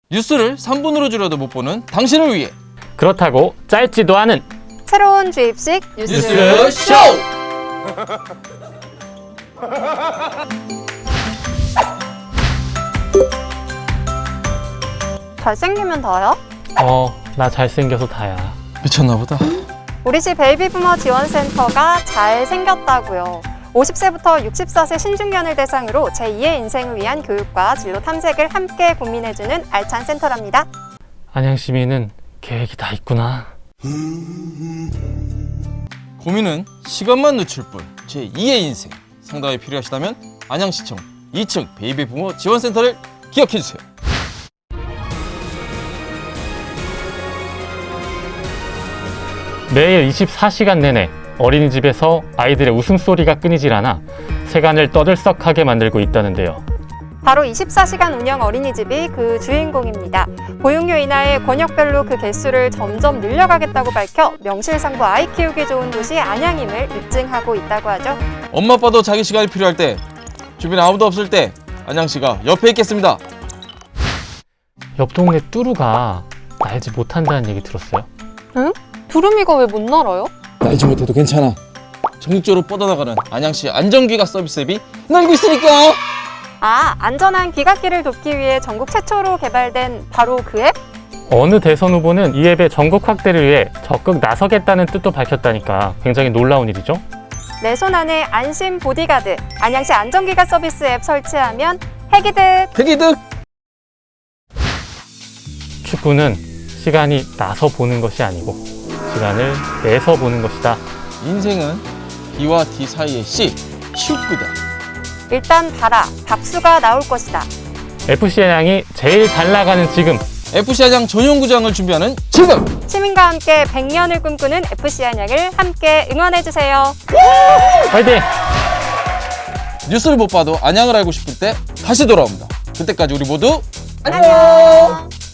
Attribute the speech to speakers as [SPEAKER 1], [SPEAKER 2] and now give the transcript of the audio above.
[SPEAKER 1] 뉴스를 3분으로 줄여도 못 보는 당신을 위해
[SPEAKER 2] 그렇다고 짧지도 않은
[SPEAKER 3] 새로운 주입식
[SPEAKER 1] 뉴스 쇼!
[SPEAKER 3] 잘생기면 다야?
[SPEAKER 2] 나 잘생겨서 다야.
[SPEAKER 1] 미쳤나 보다.
[SPEAKER 3] 우리 집 베이비부머 지원센터가 잘생겼다고요. 50세부터 64세 신중년을 대상으로 제2의 인생을 위한 교육과 진로 탐색을 함께 고민해주는 알찬 센터랍니다.
[SPEAKER 2] 안양 시민은 계획이 다 있구나.
[SPEAKER 1] 고민은 시간만 늦출 뿐 제2의 인생. 상담이 필요하시다면 안양시청 2층 베이비부모 지원센터를 기억해주세요.
[SPEAKER 2] 매일 24시간 내내 어린이집에서 아이들의 웃음소리가 끊이질 않아 세간을 떠들썩하게 만들고 있다는데요.
[SPEAKER 3] 바로 24시간 운영 어린이집이 그 주인공입니다. 보육료 인하에 권역별로 그 개수를 점점 늘려가겠다고 밝혀 명실상부 아이 키우기 좋은 도시 안양임을 입증하고 있다고 하죠.
[SPEAKER 1] 엄마 아빠도 자기 시간이 필요할 때, 주변에 아무도 없을 때 안양시가 옆에 있겠습니다.
[SPEAKER 2] 옆 동네 뚜루가 날지 못한다는 얘기 들었어요?
[SPEAKER 3] 응? 두루미가 왜 못 날아요?
[SPEAKER 1] 날지 못해도 괜찮아. 전국적으로 뻗어나가는 안양시 안전귀가 서비스 앱이 날고 있으니까.
[SPEAKER 3] 안전한 귀갓길을 돕기 위해 전국 최초로 개발된 바로 그 앱?
[SPEAKER 2] 어느 대선 후보는 이 앱의 전국 확대를 위해 적극 나서겠다는 뜻도 밝혔다니까 굉장히 놀라운 일이죠.
[SPEAKER 3] 내 손 안에 안심 보디가드, 안양시 안전귀갓 서비스 앱 설치하면 핵이득!
[SPEAKER 1] 대기득.
[SPEAKER 2] 축구는 시간이 나서 보는 것이 아니고 시간을 내서 보는 것이다.
[SPEAKER 1] 인생은 B와 D 사이의 C, 축구다.
[SPEAKER 3] 일단 봐라, 박수가 나올 것이다.
[SPEAKER 2] FC 안양이 제일 잘 나가는 지금,
[SPEAKER 1] FC 안양 전용구장을 준비하는 지금.
[SPEAKER 3] 시민과 함께 100년을 꿈꾸는 FC 안양을 함께 응원해주세요.
[SPEAKER 2] 화이팅!
[SPEAKER 1] 뉴스를 못 봐도 안양을 알고 싶을 때 다시 돌아옵니다. 그때까지 우리 모두
[SPEAKER 3] 안녕!